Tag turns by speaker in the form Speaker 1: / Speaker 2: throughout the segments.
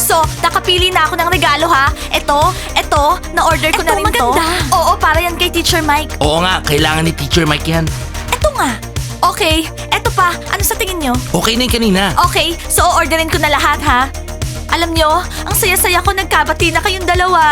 Speaker 1: So, nakapili na ako ng regalo ha. Ito, na-order ko na rin
Speaker 2: maganda.
Speaker 1: to. Oo, para yan kay Teacher Mike.
Speaker 3: Oo nga, kailangan ni Teacher Mike yan.
Speaker 1: Ito nga. Okay, eto pa. Ano sa tingin nyo?
Speaker 3: Okay na yung kanina.
Speaker 1: Okay, so orderin ko na lahat ha. Alam nyo, ang saya-saya ko nagkabati na kayong dalawa.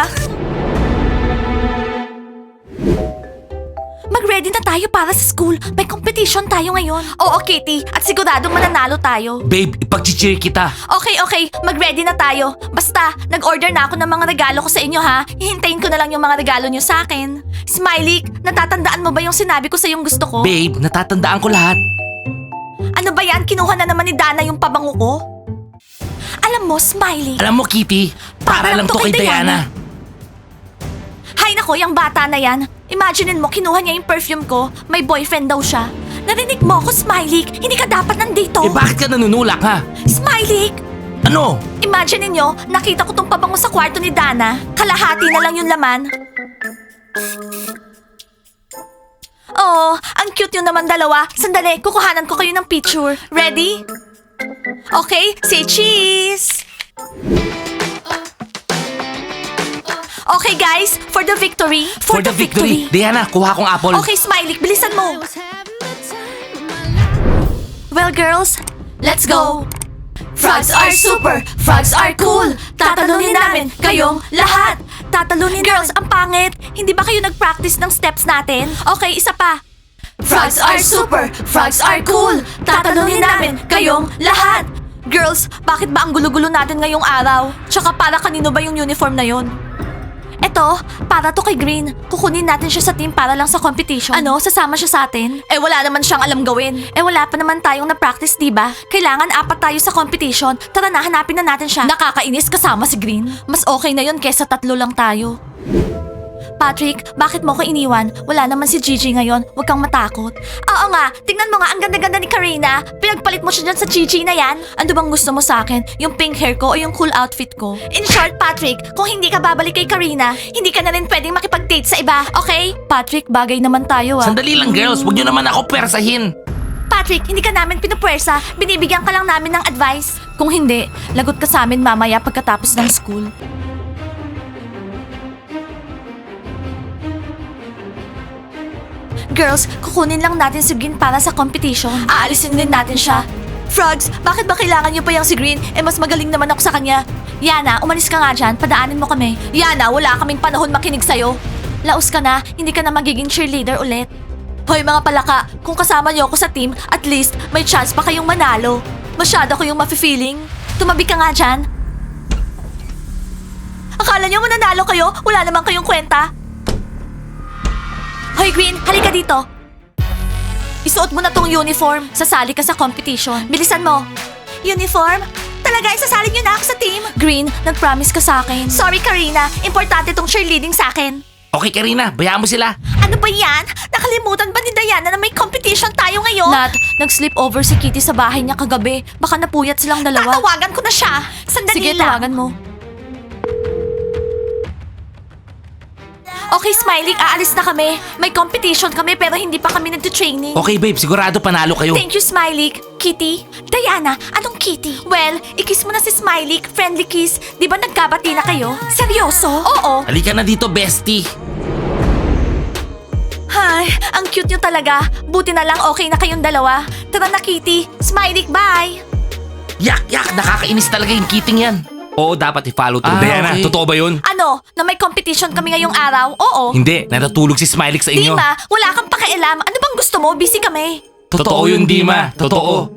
Speaker 1: Mag-ready na tayo para sa school. May competition tayo ngayon. Oo, Kitty. At siguradong mananalo tayo.
Speaker 3: Babe, ipag-cheer kita.
Speaker 1: Okay. Mag-ready na tayo. Basta, nag-order na ako ng mga regalo ko sa inyo ha. Hihintayin ko na lang yung mga regalo nyo sa akin. Smiley, natatandaan mo ba yung sinabi ko sa yung gusto ko?
Speaker 3: Babe, natatandaan ko lahat.
Speaker 1: Ano ba yan? Kinuha na naman ni Dana yung pabango ko? Alam mo, Smiley.
Speaker 3: Alam mo, Kitty, para lang to kay Diana.
Speaker 1: Hay nako, yung bata na yan. Imaginein mo, kinuha niya yung perfume ko. May boyfriend daw siya. Narinig mo ako, Smiley. Hindi ka dapat nandito.
Speaker 3: Eh bakit ka nanunulak ha?
Speaker 1: Smiley!
Speaker 3: Ano?
Speaker 1: Imaginein nyo, nakita ko tong pabango sa kwarto ni Dana. Kalahati na lang yung laman. Oh, ang cute yun naman dalawa. Sandali, kukuhanan ko kayo ng picture. Ready? Okay, say cheese! Okay guys, for the victory.
Speaker 3: For the victory. Diana, kuha kong apple.
Speaker 1: Okay, Smiley, bilisan mo. Well, girls, let's go. Frogs are super, frogs are cool. Tatalunin namin kayong lahat. Tatalunin girls, ang pangit. Hindi ba kayo nag-practice ng steps natin? Okay, isa pa. Frogs are super, frogs are cool. Tatalunin namin kayong lahat. Girls, bakit ba ang gulo-gulo natin ngayong araw? Tsaka para kanino ba yung uniform na yon? Eto, para to kay Green. Kukunin natin siya sa team para lang sa competition. Ano, sasama siya sa atin? Eh wala naman siyang alam gawin. Eh wala pa naman tayong na-practice, diba? Kailangan 4 tayo sa competition. Tara na, hanapin na natin siya. Nakakainis kasama si Green. Mas okay na yun kesa 3 lang tayo. Patrick, bakit mo ko iniwan? Wala naman si Gigi ngayon. Huwag kang matakot. Oo nga, tingnan mo nga ang ganda-ganda ni Karina. Pinagpalit mo siya dyan sa Gigi na yan. Ano bang gusto mo sa akin? Yung pink hair ko o yung cool outfit ko? In short, Patrick, kung hindi ka babalik kay Karina, hindi ka na rin pwedeng makipag-date sa iba, okay? Patrick, bagay naman tayo ah.
Speaker 3: Sandali lang girls, huwag nyo naman ako persahin.
Speaker 1: Patrick, hindi ka namin pinupwersa. Binibigyan ka lang namin ng advice. Kung hindi, lagot ka sa amin mamaya pagkatapos ng school. Girls, kukunin lang natin si Green para sa competition. Aalisin din natin siya. Frogs, bakit ba kailangan niyo pa yung si Green? Eh mas magaling naman ako sa kanya. Yana, umalis ka nga dyan. Padaanin mo kami. Yana, wala kaming panahon makinig sa'yo. Laos ka na, hindi ka na magiging cheerleader ulit. Hoy mga palaka, kung kasama niyo ako sa team, at least may chance pa kayong manalo. Masyado ko yung mafe-feeling. Tumabi ka nga dyan. Akala niyo mananalo kayo? Wala naman kayong kwenta. Hoy Green, halika dito. Isuot mo na tong uniform. Sasali ka sa competition. Bilisan mo. Uniform? Talaga, isasali niyo na ako sa team? Green, nag-promise ka sa akin. Sorry Karina, importante tong cheerleading sa akin.
Speaker 3: Okay Karina, bayaan mo sila.
Speaker 1: Ano ba yan? Nakalimutan ba ni Diana na may competition tayo ngayon? Nat, nag-sleep over si Kitty sa bahay niya kagabi. Baka napuyat silang dalawa. Tatawagan ko na siya. Sandali
Speaker 2: Sige,
Speaker 1: lang.
Speaker 2: tawagan mo.
Speaker 1: Okay, Smiley, aalis na kami. May competition kami pero hindi pa kami nagtutraining.
Speaker 3: Okay babe, sigurado panalo kayo.
Speaker 1: Thank you, Smiley. Kitty? Diana, anong Kitty? Well, i-kiss mo na si Smiley. Friendly kiss. Di ba nagkabati na kayo? Seryoso? Oo.
Speaker 3: Halika na dito, bestie.
Speaker 1: Ay, ang cute nyo talaga. Buti na lang okay na kayong dalawa. Tara na, Kitty. Smiley, bye!
Speaker 3: Yak, nakakainis talaga yung kiting yan. Oo, dapat i-follow to.
Speaker 4: Diana,
Speaker 3: okay.
Speaker 4: totoo ba yun?
Speaker 1: Ano? Na may competition kami ngayong araw? Oo.
Speaker 3: Hindi, natutulog si Smiley sa inyo.
Speaker 1: Dima, wala kang pakialam. Ano bang gusto mo? Busy kami.
Speaker 4: Totoo yun, Dima. Totoo.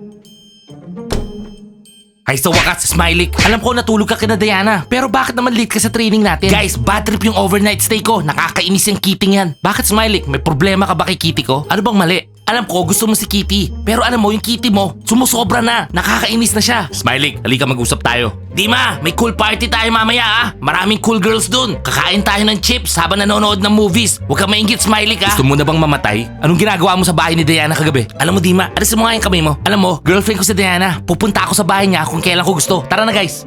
Speaker 3: Ay sa wakas, Smiley, alam ko natulog ka kina Diana. Pero bakit naman late ka sa training natin? Guys, bad trip yung overnight stay ko. Nakakainis yung Kitty yan. Bakit Smiley? May problema ka ba kay Kitty ko? Ano bang mali? Alam ko gusto mo si Kitty. Pero alam mo yung Kitty mo, sumusobra na. Nakakainis na siya.
Speaker 4: Smiley, halika mag-usap tayo.
Speaker 3: Dima, may cool party tayo mamaya ah. Maraming cool girls dun. Kakain tayo ng chips habang nanonood ng movies. Huwag kang maingit, Smiley ka.
Speaker 4: Gusto mo na bang mamatay?
Speaker 3: Anong ginagawa mo sa bahay ni Diana kagabi? Alam mo, Dima, alisin mo nga yung kamay mo. Alam mo, girlfriend ko si Diana. Pupunta ako sa bahay niya kung kailan ko gusto. Tara na, guys.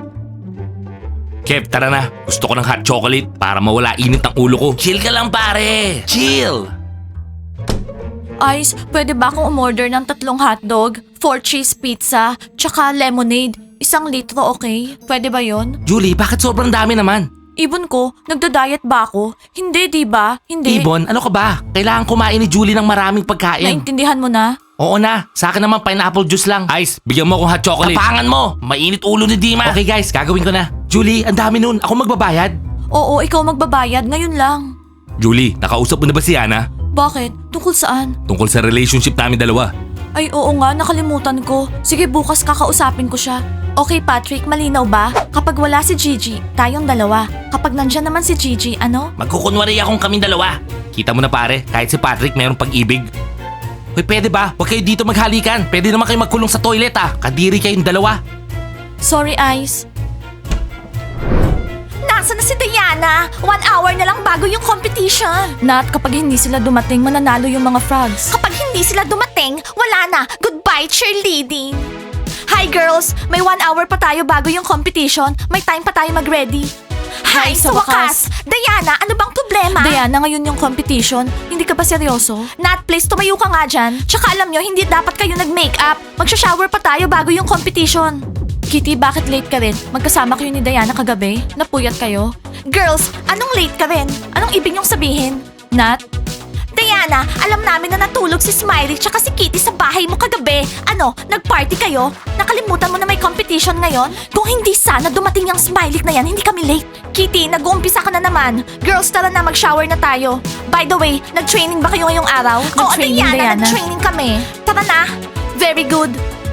Speaker 4: Kev, tara na. Gusto ko ng hot chocolate para mawala init ang ulo ko.
Speaker 3: Chill ka lang, pare. Chill.
Speaker 1: Ice, pwede ba akong umorder ng 3 hotdog, 4 cheese pizza, tsaka lemonade? 1 litro, okay? Pwede ba yon?
Speaker 3: Julie, bakit sobrang dami naman?
Speaker 1: Ibon ko, nagda-diet ba ako? Hindi, di ba? Hindi.
Speaker 3: Ibon, ano ka ba? Kailangan kumain ni Julie ng maraming pagkain.
Speaker 1: Naintindihan mo na?
Speaker 3: Oo na, sa akin naman pineapple juice lang.
Speaker 4: Ice, bigyan mo akong hot chocolate.
Speaker 3: Tapangan mo! Mainit ulo ni Dima. Okay guys, gagawin ko na. Julie, ang dami nun. Ako magbabayad.
Speaker 1: Oo, ikaw magbabayad. Ngayon lang.
Speaker 4: Julie, nakausap mo na ba si Yana?
Speaker 1: Bakit? Tungkol saan?
Speaker 4: Tungkol sa relationship namin dalawa.
Speaker 1: Ay, oo nga, nakalimutan ko. Sige, bukas kakausapin ko siya. Okay, Patrick, malinaw ba? Kapag wala si Gigi, tayong dalawa. Kapag nandyan naman si Gigi, ano?
Speaker 3: Magkukunwari akong kaming dalawa.
Speaker 4: Kita mo na pare, kahit si Patrick mayroong pag-ibig.
Speaker 3: Hoy, pwede ba? Huwag kayo dito maghalikan. Pwede naman kayo magkulong sa toilet ah. Kadiri kayong dalawa.
Speaker 1: Sorry, Ice. Nasaan na si Diana? 1 hour na lang bago yung competition. Nat, kapag hindi sila dumating, mananalo yung mga frogs. Kapag hindi sila dumating, wala na. Goodbye, cheerleading. Hi, girls! May 1 hour pa tayo bago yung competition. May time pa tayo mag-ready. Hi, sa wakas! Diana, ano bang problema? Diana, ngayon yung competition. Hindi ka ba seryoso? Nat, please, tumayo ka nga dyan. Tsaka alam nyo, hindi dapat kayo nag-makeup. Magsha-shower pa tayo bago yung competition. Kitty, bakit late ka rin? Magkasama kayo ni Diana kagabi? Napuyat kayo? Girls, anong late ka rin? Anong ibig niyong sabihin? Nat? Diana, alam namin na natulog si Smiley tsaka si Kitty sa bahay mo kagabi. Ano, nag-party kayo? Nakalimutan mo na may competition ngayon? Kung hindi sana dumating yung Smiley na yan, hindi kami late. Kitty, nag-uumpisa ka na naman. Girls, tara na, mag-shower na tayo. By the way, nag-training ba kayo ngayong araw? Oo, Diana, nag-training kami. Tara na. Very good.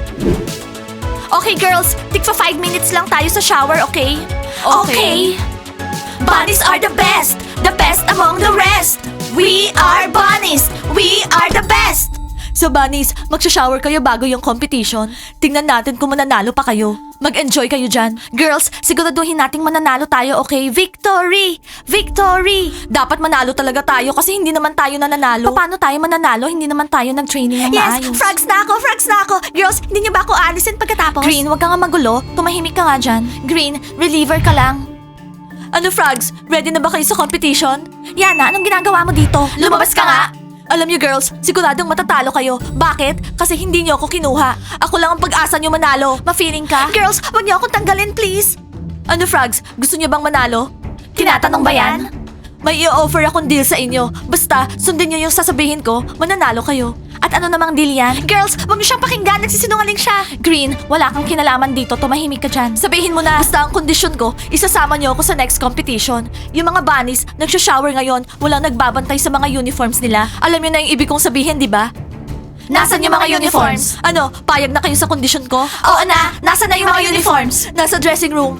Speaker 1: Okay, girls, tig 5 minutes lang tayo sa shower, okay? Okay. Bunnies are the best among the rest. We are bunnies! We are the best! So bunnies, magsha-shower kayo bago yung competition. Tingnan natin kung mananalo pa kayo. Mag-enjoy kayo dyan. Girls, siguraduhin nating mananalo tayo, okay? Victory! Victory! Dapat manalo talaga tayo kasi hindi naman tayo nananalo. Paano tayo mananalo? Hindi naman tayo nag-training ng maayos. Yes, frogs na ako! Girls, hindi niyo ba ako alisin pagkatapos? Green, wag ka nga magulo. Tumahimik ka nga dyan. Green, reliever ka lang. Ano, Frogs? Ready na ba kayo sa competition? Yana, anong ginagawa mo dito? Lumabas ka nga! Alam niyo, girls, siguradong matatalo kayo. Bakit? Kasi hindi niyo ako kinuha. Ako lang ang pag-asa niyo manalo. Ma-feeling ka? Girls, wag niyo akong tanggalin, please! Ano, Frogs? Gusto niyo bang manalo? Tinatanong ba yan? May i-offer akong deal sa inyo. Basta, sundin niyo yung sasabihin ko, mananalo kayo. At ano namang deal yan? Girls, wag niyo siyang pakinggan. Nagsisinungaling siya. Green, wala kang kinalaman dito. Tumahimik ka dyan. Sabihin mo na, basta ang kondisyon ko, isasama niyo ako sa next competition. Yung mga bunnies, nagsha-shower ngayon, walang nagbabantay sa mga uniforms nila. Alam niyo na yung ibig kong sabihin, di ba? Nasaan yung mga uniforms? Ano, payag na kayo sa kondisyon ko? Oo na, nasaan na yung mga uniforms? Nasa dressing room.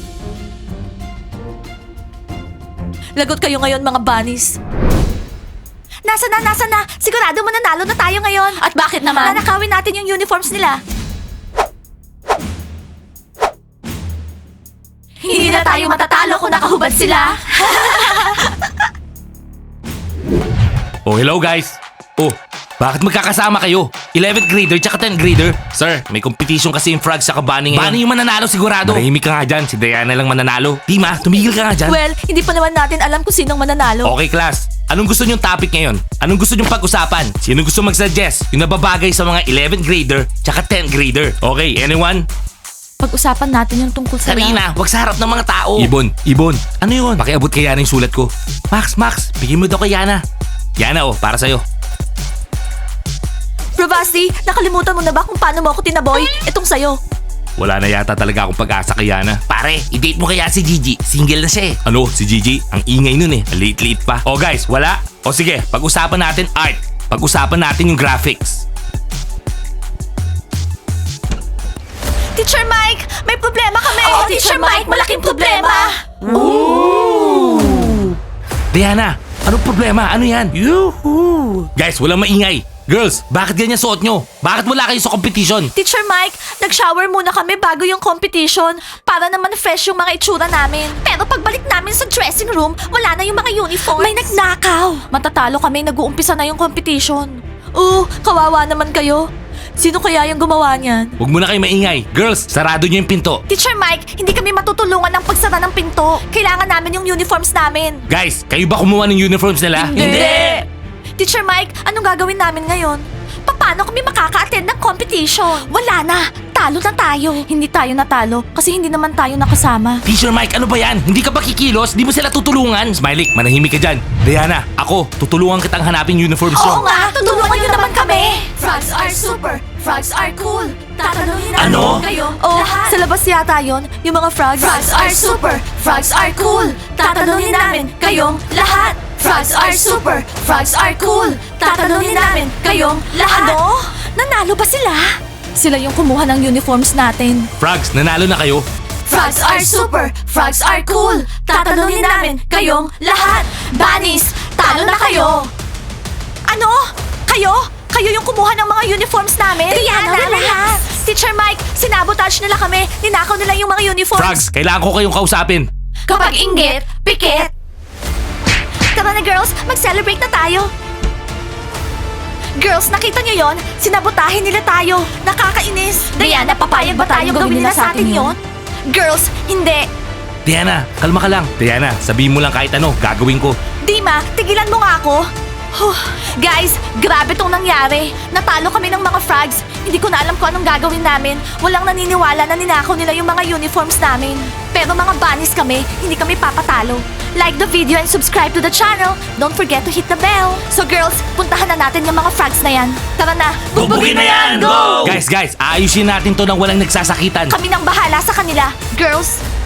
Speaker 1: Lagot kayo ngayon, mga bunnies. Nasa na? Sigurado mananalo na tayo ngayon. At bakit naman? Nanakawin natin yung uniforms nila. Hindi na tayo matatalo kung nakahubad sila.
Speaker 4: Oh, hello guys. Oh, bakit magkakasama kayo? 11th grader tsaka 10th grader? Sir, may competition kasi yung frogs sa bunny ngayon.
Speaker 3: Bunny yung mananalo sigurado.
Speaker 4: Marahimik ka nga dyan, si Diana lang mananalo.
Speaker 3: Dima, tumigil ka nga dyan.
Speaker 1: Well, hindi pa naman natin alam kung sinong mananalo.
Speaker 4: Okay class, anong gusto nyong topic ngayon? Anong gusto nyong pag-usapan? Sino gusto mag-suggest? Yung nababagay sa mga 11th grader tsaka 10th grader. Okay, anyone?
Speaker 1: Pag-usapan natin yung tungkol sa
Speaker 3: Karina, wag sa harap ng mga tao.
Speaker 4: Ibon,
Speaker 3: Ano yun?
Speaker 4: pakiabot kay Yana yung sulat ko.
Speaker 3: Max, bigyan mo daw kay Yana.
Speaker 4: Yana oh, para sa'yo.
Speaker 1: Bravasti, nakalimutan mo na ba kung paano mo ako tinaboy? Itong sayo.
Speaker 4: Wala na yata talaga akong pag-asa kay Yana.
Speaker 3: Pare, i-date mo kaya si Gigi. Single na siya eh.
Speaker 4: Ano, si Gigi? Ang ingay nun eh. Late-late pa. Oh guys, wala? O sige, pag-usapan natin art. Pag-usapan natin yung graphics.
Speaker 1: Teacher Mike, may problema kami. Oo, Teacher Mike, malaking problema.
Speaker 3: Diana, anong problema? Ano yan?
Speaker 4: Guys, walang maingay.
Speaker 3: Girls, bakit ganyan suot nyo? Bakit wala kayo sa competition?
Speaker 1: Teacher Mike, nag-shower muna kami bago yung competition para naman fresh yung mga itsura namin. Pero pagbalik namin sa dressing room, wala na yung mga uniforms. May nagnakaw. Matatalo kami, nag-uumpisa na yung competition. Kawawa naman kayo. Sino kaya yung gumawa niyan?
Speaker 4: Huwag mo na kayo maingay. Girls, sarado nyo yung pinto.
Speaker 1: Teacher Mike, hindi kami matutulungan ng pagsara ng pinto. Kailangan namin yung uniforms namin.
Speaker 4: Guys, kayo ba kumuha ng uniforms nila?
Speaker 1: Teacher Mike, anong gagawin namin ngayon? Paano kami makaka-attend ng competition? Wala na. Talo na tayo. Hindi tayo natalo kasi hindi naman tayo nakasama.
Speaker 3: Teacher Mike, ano ba yan? Hindi ka ba kikilos? Di mo sila tutulungan?
Speaker 4: Smiley, manahimik ka dyan. Diana, ako, tutulungan kitang hanapin uniforms
Speaker 1: Oo
Speaker 4: nyo.
Speaker 1: nga, tutulungan niyo naman kami. Frogs are super. Frogs are cool. Tatanungin namin
Speaker 3: Ano?
Speaker 1: kayo lahat. Sa labas yata yon, yung mga frogs. Frogs are super. Frogs are cool. Tatanungin namin kayong lahat. Frogs are super. Frogs are cool. Tatanungin namin kayong lahat. Ano? Nanalo ba sila? Sila yung kumuha ng uniforms natin.
Speaker 4: Frogs, nanalo na kayo.
Speaker 1: Frogs are super. Frogs are cool. Tatanungin namin kayong lahat. Bunnies, talo na kayo. Ano? Kayo? Kayo yung kumuha ng mga uniforms namin?
Speaker 2: Diana,
Speaker 1: relax. Teacher Mike, sinabotage nila kami. Ninakaw nila yung mga uniforms.
Speaker 4: Frogs, kailangan ko kayong kausapin.
Speaker 1: Kapag inggit, pikit. Tara na girls, mag-celebrate na tayo. Girls, nakita niyo yon? Sinabotahin nila tayo. Nakakainis. Diana, papayag ba tayong gawin nila sa atin yon? Girls, hindi.
Speaker 4: Diana, kalma ka lang. Diana, sabihin mo lang kahit ano, gagawin ko.
Speaker 1: Dima, tigilan mo nga ako. Huh. Guys, grabe tong nangyari. Natalo kami ng mga frogs. Hindi ko na alam kung anong gagawin namin. Walang naniniwala na ninakaw nila yung mga uniforms namin. Pero mga bunnies kami, hindi kami papatalo. Like the video and subscribe to the channel. Don't forget to hit the bell. So girls, puntahan na natin yung mga frogs na yan. Tara na,
Speaker 3: Bugbugin na yan! Go!
Speaker 4: Guys, aayusin natin to nang walang nagsasakitan.
Speaker 1: Kami nang bahala sa kanila. Girls,